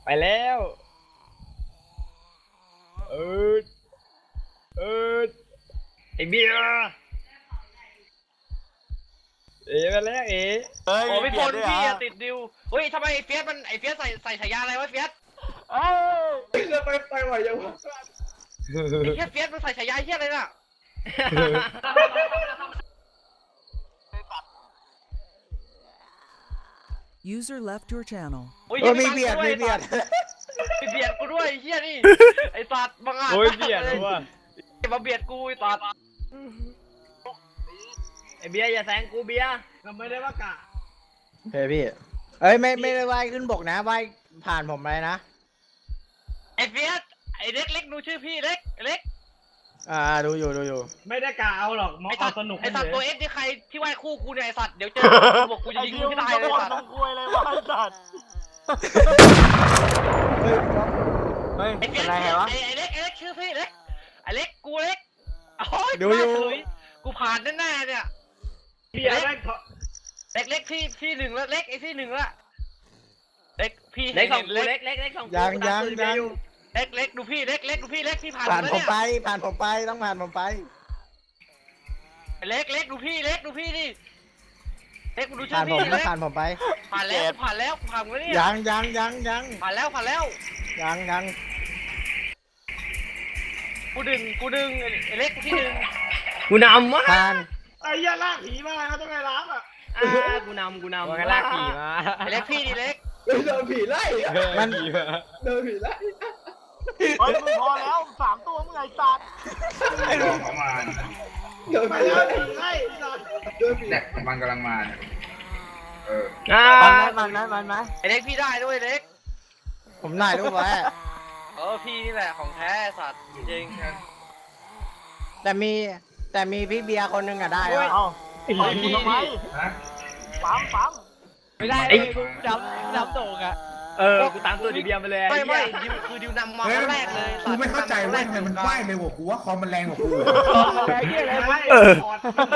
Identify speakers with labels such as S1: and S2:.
S1: ไปแล้วเออเออไอเบียร์เอ๋มาแล้วเอ๋
S2: เฮ้ย
S3: โอ้พี่พล
S2: เปลี่ยน
S3: พี่
S2: ด้วย
S3: อะติดดิวเฮ้ยทำไมไอ้เฟียสมันไอ้เฟียสใส่ฉายาอะไรวะเฟียส
S2: เอ้ย
S4: จะไปไหวยังวะ
S3: ไอ้เฟียสมันใส่ฉายาเฮียอะไรน่ะ
S5: User left your channel.
S3: โอ้ย
S4: มีเบียดมีเบียด
S3: มีเบียดกูด้วยไอ้เฮียนี่ไอ้สัตว์บังอาจ
S1: โอ้ยเบียร์นะวะ
S3: มาเบียดกูไอ้สัตว์
S1: ไอเบียร์อย่าแซงกูเบียร์ก็ไม่ได้ว่ากะ
S4: เฮ้ยพี่เอ้ยไม่ได้ว่ายขึ้นบกนะว่ายผ่านผมไปนะ
S3: ไอ้เฟียสไอ้เล็กดูชื่อพี่เล็กเล็ก
S4: ดูอยู่
S1: ไม่ได้กะเอาหรอกมอง
S3: ไอ้
S1: เอา
S3: สัตว์
S1: สนุก
S3: ไอ้สัตว์
S1: เล
S3: ตัวย เอสนี่ใครที่ว่ายคู่กูเนี่ยไอ้สัตว์เดี๋ยวเจอกูบอกกูจะ
S2: ไอ้
S3: ยิง
S2: ดิ
S3: มึ
S2: ว
S3: ง
S2: มัน
S3: ให้ตาย
S2: จะ
S3: เลย
S2: บ่น
S3: สัตว์
S2: น้ำคุยเลยวะไอ้สัตว์ เฮ้ย
S3: ไอ้
S2: เป็
S3: เฟีย
S2: น
S3: ส
S2: ไรวะ
S3: ไอ้เล็กชื่อพี่เล็กไอ้เล็กกูเล็กโอ้ย
S4: ดูอยู่
S3: มาเฉยกูผ่านแน่ๆเนี่ย
S1: เบียร์แม่ง
S3: เล็กพี่หนึ่งแล้วเล็กไอ้พี่หนึ่งแล้วเล็กพี่
S1: เล็กสอง
S3: เล็
S1: กู
S3: ก
S1: เล็กสองกู
S4: ยัง
S1: ตามตูดเบียร์อยู่
S3: เล็กดูพี่เล็กดูพี่เล็กพี่ผ่าน
S4: ผ่าน
S3: แล้ว
S4: ผม
S3: เนี่ย
S4: ไปผ่านผมไปต้องผ่านผมไป
S3: เล็กดูพี่เล็กดูพี่ดิเล็กดูชื่
S4: ผ่า
S3: อน
S4: ผม
S3: พี่
S4: นะ
S3: เล็ก
S4: ผ่านผมไป
S3: ผ่านแล้วผ่านแล้วเนี่ย
S4: ยัง
S3: ผ่านแล้วกูดึงไอ้เล็กที่ดึง
S1: กูนำวะ
S4: ผ่าน
S2: ไอ้ยาลากผีมาเขาต้องไงรับอ่ะ
S1: กูนำมันก็ลากขี่มา
S3: ไอ้เล็กพี่ดิเล็ก
S4: โดนผีไล่มันโดนผีไล่
S2: เฮ้ยมึงพอแล้ว3 ตัวมึงไอ้สัตว์
S6: ประมาณ
S4: โดน
S2: ไป
S4: ผี
S2: แล้ว
S4: ไล่
S2: ผีไล่สัตว์
S4: โดนผี
S6: แดกมันกำลังมาเนี่ยเออ
S2: มันไหม
S3: ไอ้เล็กพี่ได้ด้วยเล็ก
S4: ผมถ่ายรูปไว้
S3: พี่นี่แหละของแท้สัตว์จริง
S4: แต่มีพี่เบียร์คนหนึงอะได้
S2: เฮ้ย
S4: อะ
S2: เอาต่อยกูทำไม
S6: ฮะ
S2: ปั๊ม
S1: ไม่ได้กูดำโด่งอ่ะกูตามตัวดิเบียร์มาเลย
S3: ไม่ดิวคือดิวนำมาครั้งแรกเลย
S6: กูไม่เข้าใจเว้ยทำไมมันว่ายเร็วกว่ากูว่าคอมมันแรงกว่ากู
S1: ไอ้เหี้ยอะไร